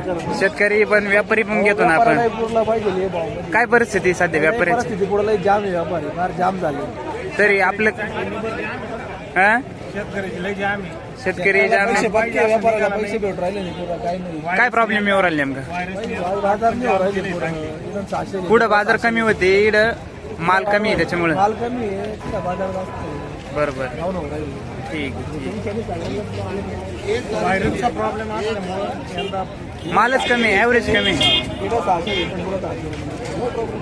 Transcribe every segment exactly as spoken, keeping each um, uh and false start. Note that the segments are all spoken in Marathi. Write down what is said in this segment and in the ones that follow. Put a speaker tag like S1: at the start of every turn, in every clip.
S1: करतो.
S2: शेतकरी पण व्यापारी पण घेतो ना आपण.
S1: व्यापाराला पाहिजे हे भाव.
S2: काय परिस्थिती सध्या व्यापाऱ्याची?
S1: परिस्थिती पुढे जाम आहे, व्यापारी फार जाम झाले.
S2: तरी आपलं हा
S1: शेतकऱ्याची लय जाम आहे.
S2: शेतकरी जाम
S1: पैसे
S2: आहे.
S1: बाकी आहे, व्यापाराला पैसे भेटून राहिले नाही पुरा, काही नाही.
S2: काय प्रॉब्लेम येऊ राहिले नेमका?
S1: बाजार नाही होऊ राहिले पुढं. एकदम सहाशे
S2: पुढं बाजार कमी होते, इकडं माल कमी आहे त्याच्यामुळे.
S1: माल कमी आहे, तिथं बाजार जास्त आहे.
S2: बरोबर,
S1: जाऊन होऊ राहिले.
S2: ठीक आहे.
S1: व्हायरसचा प्रॉब्लेम असल्यामुळे यंदा
S2: मालच कमी आहे, ॲव्हरेज कमी आहे.
S1: पुढं सहाशे भेटून पुढं सहाशे.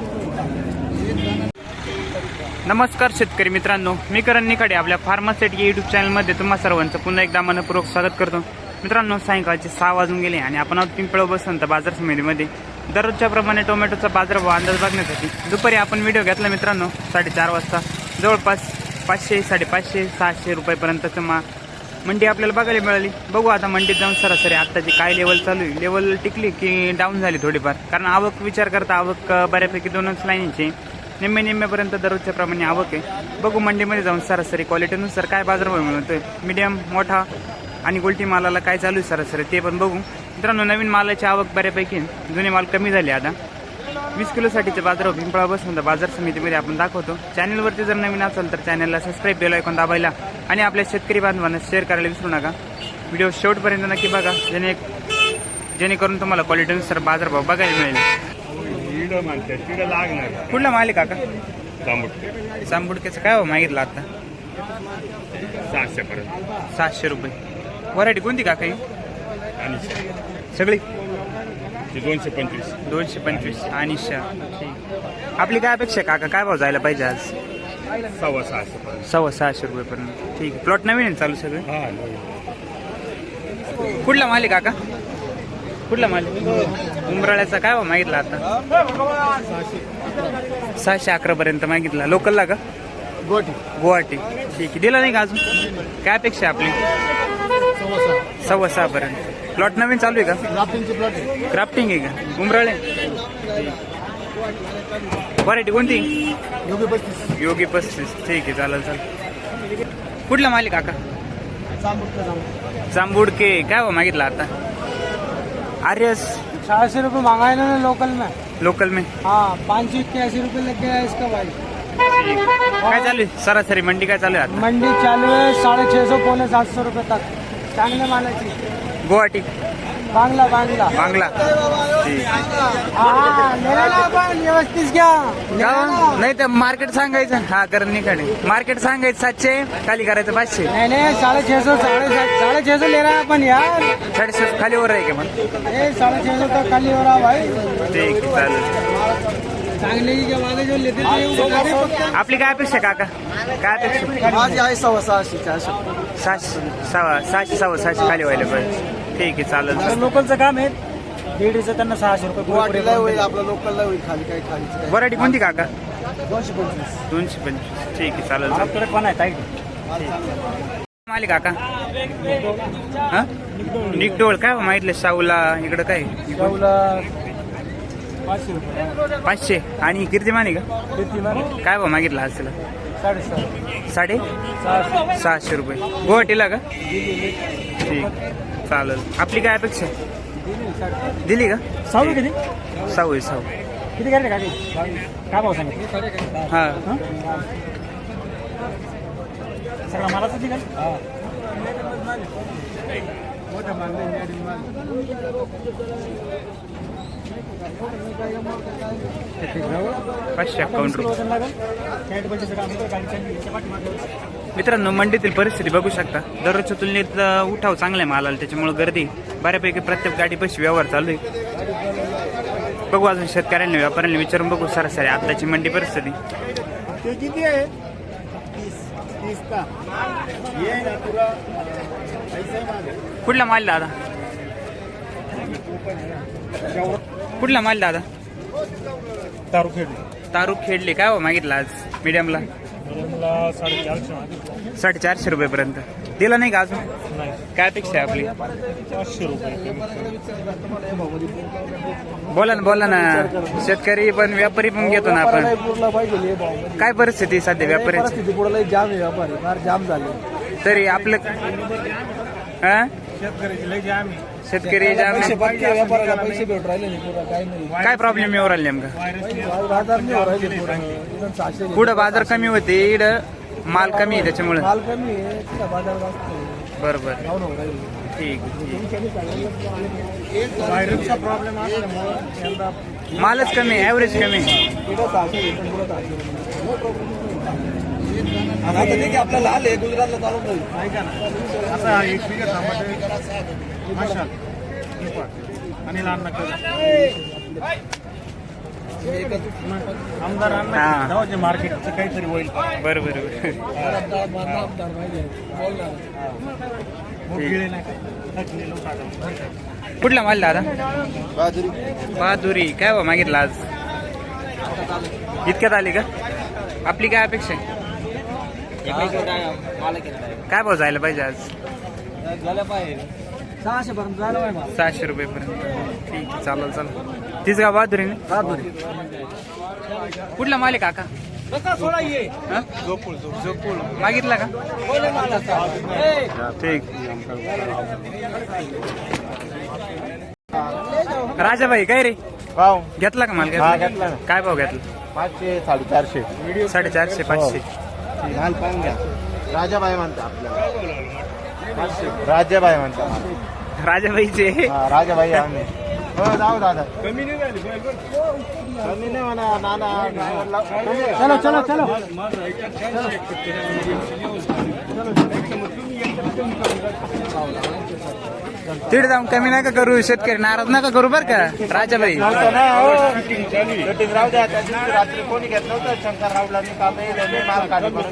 S2: नमस्कार शेतकरी मित्रांनो, मी करण निखाडे आपल्या फार्मासेट या युट्यूब चॅनलमध्ये तुम्हा सर्वांचं पुन्हा एकदा मनपूर्वक स्वागत करतो. मित्रांनो, सायंकाळचे सहा वाजून गेले आणि आपण आहोत पिंपळगाव बसवंत बाजार समितीमध्ये दररोजच्या प्रमाणे टोमॅटोचा बाजारभाव अंदाज बघण्यासाठी. दुपारी आपण व्हिडिओ घेतला मित्रांनो साडेचार वाजता. जवळपास पाचशे साडेपाचशे सहाशे रुपयेपर्यंतचं मा मंडी आपल्याला बघायला मिळाली. बघू आता मंडीत जाऊन सरासरी आत्ताची काय लेवल चालू आहे. लेवल टिकली की डाऊन झाली थोडीफार, कारण आवक विचार करता आवक बऱ्यापैकी दोनच लाईनची निम्मे निम्म्यापर्यंत दररोजच्या प्रमाणे आवक आहे. बघू मंडीमध्ये जाऊन सरासरी क्वालिटीनुसार काय बाजारभाव मिळतोय. मीडियम मोठा आणि गोल्टी मालाला काय चालू आहे सरासरी ते पण बघू. मित्रांनो, नवीन मालाची आवक बऱ्यापैकी, जुने माल कमी झाले. आता वीस किलोसाठीचे बाजारभाव पिंपळगाव बसवंत बाजार समितीमध्ये आपण दाखवतो. चॅनलवरती जर नवीन असेल तर चॅनलला सबस्क्राईब बेल आयकॉन दाबायला आणि आपल्या शेतकरी बांधवांना शेअर करायला विसरू नका. व्हिडिओ शेवटपर्यंत नक्की बघा, जेणे जेणेकरून तुम्हाला क्वालिटीनुसार बाजारभाव बघायला मिळेल. कुठला माल आहे काका?
S3: जांबुडके.
S2: जांबुडक्याचं काय हो मागितलं आता?
S3: सहाशे पर्यंत.
S2: सातशे रुपये. व्हरायटी कोणती काका ही?
S3: आणि
S2: सगळी
S3: दोनशे पंचवीस.
S2: दोनशे पंचवीस आणि ठीक. आपली काय अपेक्षा आहे काका, काय भाव जायला पाहिजे आज?
S3: सव्वा सहाशे पर्यंत.
S2: सव्वा सहाशे रुपयेपर्यंत. ठीक आहे. प्लॉट नवीन आहे चालू सगळे?
S3: हा.
S2: कुठला माल आहे काका? कुठला माल? उंबराळ्याचा काय भाव मागितला आता? सहाशे अकरा पर्यंत मागितला. लोकलला का?
S1: गोटी
S2: गुवाहाटी. ठीक आहे. दिला नाही का अजून? काय अपेक्षा आहे आपली? सव्वा सहा पर्यंत. प्लॉट नवीन चालू आहे का?
S1: प्लॉट
S2: क्राफ्टिंग आहे का? उंबराळे. व्हरायटी कोणती?
S1: योगी पस्तीस.
S2: योगी पस्तीस. ठीक आहे, चालेल चालेल. कुठला माल आहे काका? जांबुडके. काय भाव मागितला आता? आर्यस.
S1: सहाशे रुपये मांगा है ना लोकल में.
S2: लोकल में
S1: हाँ, पाँच सौ इक्यासी रुपये लग गया है इसका भाई.
S2: काय चालू आहे सरासरी मंडी, काय चालू आहे आता?
S1: मंडी चालू है साढ़े छः सौ पौने सात सौ रुपये तक. चांगले मालाची.
S2: गुवाहाटी.
S1: बांगला बांगला
S2: बांगला. ठीक.
S1: हाँ लेना ना आपण व्यवस्थित घ्या.
S2: का? नाही तर मार्केट सांगायचं. हा करण निखाडे. मार्केट सांगायचं सातशे, खाली करायचं पाचशे.
S1: नहीं नहीं साढ़े छः सौ साढ़े साढ़े छः सौ ले रहा है अपन यार.
S2: साडेशे खाली वर आहे का मग?
S1: ए साढ़े छः सौ तक खाली हो रहा भाई.
S2: ठीक आहे, चालेल.
S1: चांगले की क्या वाले जो लेते थे.
S2: आपली काय अपेक्षा काका? काय अपेक्षा?
S1: माझी आहे सव्वा सहाशे चारशे.
S2: सहाशे सव्वा सहाशे सव्वा सहाशे खाली व्हायला पाहिजे. ठीक आहे, चालेल.
S1: लोकलचं काम आहे. दीडशे त्यांना सहाशे रुपये गुवाहाटीला होईल, आपलं लोकलला होईल. खाली काय खाली
S2: व्हरायटी कोणती काका?
S1: दोनशे पंचवीस.
S2: दोनशे पंचवीस. ठीक आहे, चालेल.
S1: आपल्याकडे पण आहे ताई.
S2: मालिक काका? हा निकडोळ. काय माहितलं शाहूला? इकडं काय?
S1: पाचशे रुपये.
S2: पाचशे. आणि कीर्तिमान आहे का?
S1: कीर्तिमान
S2: काय भाव मागितला आज त्याला?
S1: साडेसहा.
S2: साडे
S1: सहाशे.
S2: सहाशे रुपये. गुवाहाटीला का? ठीक, चालेल. आपली काय अपेक्षा? दिली का?
S1: सहावी किती?
S2: सहावी आहे, सहावी.
S1: किती काय काय भाव सांगितलं?
S2: हां
S1: सगळा मालाच होती का?
S2: पाचशे अकाउंट रुपये. मित्रांनो, मंडीतील परिस्थिती बघू शकता. दररोजच्या तुलनेत उठाव चांगला आहे मालाला, त्याच्यामुळे गर्दी बऱ्यापैकी प्रत्येक गाडीपाशी व्यवहार चालू आहे. बघू अजून शेतकऱ्यांनी व्यापाऱ्यांनी विचारून बघू सरासरी आताची मंडी परिस्थिती.
S1: किती आहे?
S2: कुठला माल दादा? कुठला माल दादा?
S1: तारू खेळ.
S2: तारू खेळले. काय हो मागितला आज मीडियमला?
S1: साडेचारशे.
S2: साडेचारशे रुपयेपर्यंत. दिला नाही का अजून? काय अपेक्षा आहे आपली?
S1: पाचशे रुपये.
S2: बोला ना बोला ना. शेतकरी पण व्यापारी पण घेतो ना आपण. काय परिस्थिती सध्या व्यापाऱ्याची?
S1: परिस्थिती पुढे जाम आहे, व्यापारी फार जाम झाले.
S2: तरी आपलं हा
S1: शेतकऱ्याची लय जाम आहे.
S2: शेतकरी जाम-
S1: पैसे बाकी व्यापाराला पैसे भेटून राहिले नाही पुरा काही नाही
S2: काय प्रॉब्लेम येऊ राहिले नेमका
S1: बाजार नाही होऊ राहिले पुरा इथं सहाशे
S2: पुढं बाजार कमी होते इकडं माल कमी आहे त्याच्यामुळे
S1: माल कमी आहे तिथं बाजार जास्त आहे.
S2: बरोबर
S1: जाऊन होऊ राहिले
S2: ठीक ठीक.
S1: व्हायरसचा प्रॉब्लेम असल्यामुळे यंदा
S2: मालच कमी ॲव्हरेज कमी आहे.
S1: इथं सहाशे भेटून पुढं सहाशे आता ठीक आहे आपला लाल आहे गुजरातला चालू नाही ऐका ना आता एक बिघा टमाटे मशाल आणि लाल नका आमदार
S2: हा.
S1: अण्णा मार्केटचं काहीतरी होईल
S2: बरं बरं बरं. कुठला माल दादा बहादुरी काय बा मागितला आज इतक्यात आली का आपली काय अपेक्षा आहे काय भाव जायला पाहिजे आज
S1: झालं पाहिजे सहाशे पर्यंत झालं पाहिजे
S2: सहाशे रुपये पर्यंत ठीक आहे चालेल चालेल तीच का बहादुरी ना
S1: बहादुरी
S2: कुठला माल आहे काका हा? मागितला का ठीक राजाभाई काय रे
S1: भाव
S2: घेतला का माल
S1: हा,
S2: घेतला
S1: घेतला ना.
S2: काय भाव घेतला
S1: पाचशे साडेचारशे
S2: साडेचारशे पाचशे
S1: माल पाहून घ्या राजाबाई म्हणता आपल्याला राजाबाई म्हणता
S2: राजाभाईचे
S1: हा, राजाबाई आम्ही हो जाऊ दादा कमी नाही झाली कमी नाही म्हणा नाना चलो चलो चलो
S2: तिथे जाऊन कमी नका करू शेतकरी नाराज नका करू बर का राजाभाई
S1: शूटिंग राहू द्या त्या दिवशी रात्री कोणी घेत नव्हतं शंकर रावला मी काम येईल माल काढून करून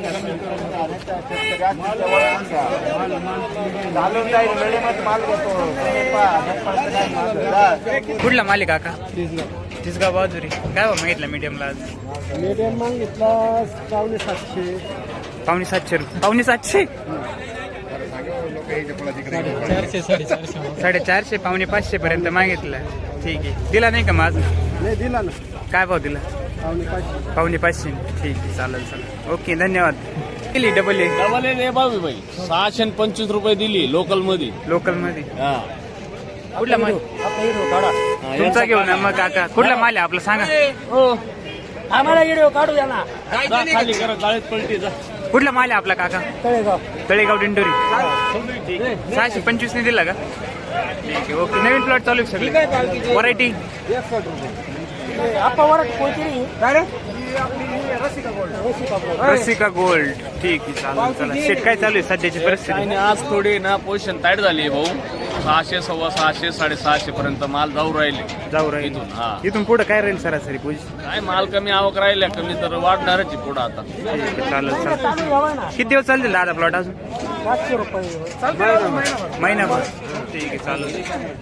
S1: घालून जाईल वेळेमध्ये माल घेतो
S2: कुठला माल आहे काका तिसगाव बहादुरी काय बा मागितला मीडियमला आज
S1: मीडियम मागितला पावणे सातशे
S2: पावणे सातशे रुपये पावणे सातशे
S1: चारशे साडेचारशे
S2: साडेचारशे पावणे पाचशे पर्यंत मागितलं ठीक आहे दिला नाही का माझ
S1: नाही दिला ना
S2: काय भाव दिला
S1: पावणे पाचशे
S2: पावणे पाचशे ठीक आहे चालेल चालेल ओके धन्यवाद केली डबल ए
S4: डबल ए बाबी भाई सहाशे आणि पंचवीस रुपये दिली लोकल मध्ये
S2: लोकल मध्ये
S4: हा.
S2: कुठला माल
S4: हा,
S2: तुमचा घेऊ ना मग काका कुठला माल आहे आपला सांगा
S1: आम्हाला व्हिडिओ काढू द्या ना
S4: जा खाली करा गाळीत पलटी जा
S2: कुठला माल आहे आपला काका
S1: तळेगाव
S2: तळेगाव दिंडोरी सहाशे पंचवीस ने दिला का ठीक आहे ओके नवीन प्लॉट चालू आहे सगळी व्हरायटी
S1: एकसष्ट रुपये आपण वर कोणती काय रे Rasika gold Rasika gold
S2: Rasika gold ठीक आहे चालेल चला शेट काय चालू आहे सध्याची परिस्थिती
S4: आणि आज थोडी ना पोझिशन टाईट झाली भाऊ सहाशे सव्वा सहाशे साडेसहाशे पर्यंत माल जाऊ राहिले
S2: जाऊ राहील
S4: इथून, हा.
S2: इथून पुढे काय राहील सरासरी पोझिशन
S4: काय माल कमी आवक राहिल्या कमी तर वाढणारच आहे पुढं आता
S2: ठीक आहे चालेल चालेल किती दिवस चालतील दादा प्लॉट अजून
S1: पाचशे रुपये
S2: महिनाभर ठीक आहे चालेल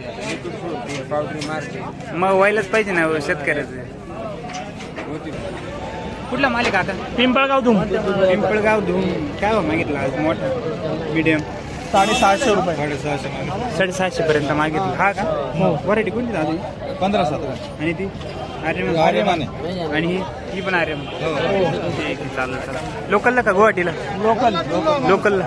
S2: मग व्हायलाच पाहिजे ना शेतकऱ्याचं कुठला मालिक आता
S1: पिंपळगाव धूम
S2: पिंपळगाव धूम काय हो मागितलं आज मोठा मीडियम
S1: साडेसहाशे रुपये साडेसहाशे
S2: साडेसहाशे पर्यंत मागितलं हा का व्हरायटी कोणती दादा
S1: पंधरा सतरा
S2: आणि ती आर्यमान
S1: आर्यमान
S2: आणि ही ही पण आर्यमान ठीक आहे चालेल चालेल लोकलला का गुवाहाटीला
S1: लोकल
S2: लोकलला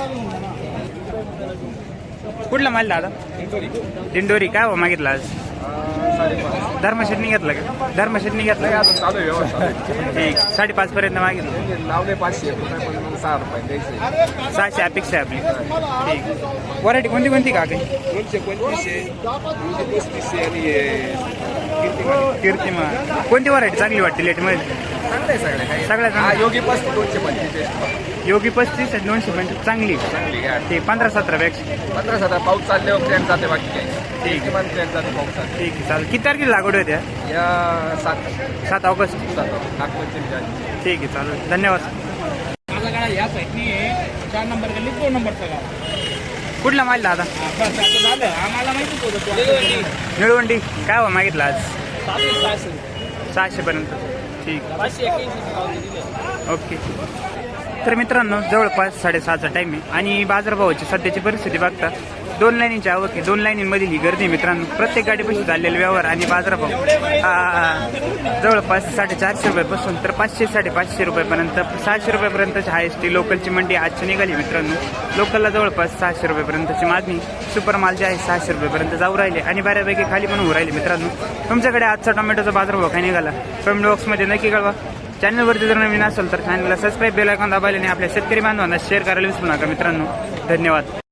S2: कुठला माल दादा दिंडोरी काय हो मागितलं आज धर्मशेटनी घेतला का धर्मशेटनी घेतला का
S4: चालू आहे व्यवस्था
S2: ठीक साडेपाच पर्यंत मागितलं
S4: लावले पाचशे सहा रुपये द्यायचे
S2: सहाशे अपेक्षा आहे आपली ठीक व्हरायटी कोणती कोणती का काही
S4: दोनशे पंचवीसशे दोनशे पस्तीसशे आणि
S2: कीर्तिमा कोणती व्हरायटी चांगली वाटते लेटमध्ये
S4: चांगले सगळे काही
S2: सगळ्यात चांगली.
S4: योगी पस्तीस दोनशे पंचवीस
S2: योगी पस्तीस आणि दोनशे पंचवीस चांगली
S4: चांगली गाडी
S2: ठीक पंधरा सतरा पेक्षा
S4: पंधरा सतरा पाऊस चालल्यावर ट्रेन जाते बाकी काही
S2: ठीक आहे.
S4: किमान ट्रेन जाते पाऊस चालते
S2: ठीक आहे चालेल किती तारखेला लागवड होत्या
S4: या सात
S2: सात ऑगस्ट
S4: नागपूरचे
S2: ठीक आहे चालेल धन्यवाद
S5: माझा गाडा या साईडनी आहे चार नंबर गल्ली दोन नंबरचा गाडा
S2: कुठला माल दादा
S5: बस आता झालं आम्हाला माहितीच होतं तो
S2: निळवंडी काय हो मागितलं आज
S5: सहाशे सहाशे
S2: सहाशे पर्यंत ठीक
S5: पाचशे एक्क्याऐंशी दिले
S2: ओके तर मित्रांनो जवळपास साडेसहाचा टाईम आहे आणि बाजारभावाची सध्याची परिस्थिती बघता दोन लाईनीची आवक आहे. दोन लाईनींमधील ही गर्दी मित्रांनो. प्रत्येक गाडीपासून चाललेले व्यवहार आणि बाजारभाव आ, जवळपास साडेचारशे रुपयापासून तर पाचशे साडेपाचशे रुपयापर्यंत सहाशे रुपयापर्यंतची हायस्ट लोकलची मंडी आजची निघाली मित्रांनो. लोकलला जवळपास सहाशे रुपयापर्यंतची मागणी. सुपर माल जे आहे सहाशे रुपयापर्यंत जाऊ राहिले आणि बऱ्यापैकी खाली पण होऊ राहिले मित्रांनो. तुमच्याकडे आजचा टोमॅटोचा बाजारभाव काय निघाला कमेंट बॉक्समध्ये नक्की कळवा. चॅनलवरती जर नवीन असेल तर चॅनलला सबस्क्राईब बेल आयकॉन दाबायला आणि आपल्या शेतकरी बांधवांना शेअर करायला विसरू नका मित्रांनो. धन्यवाद.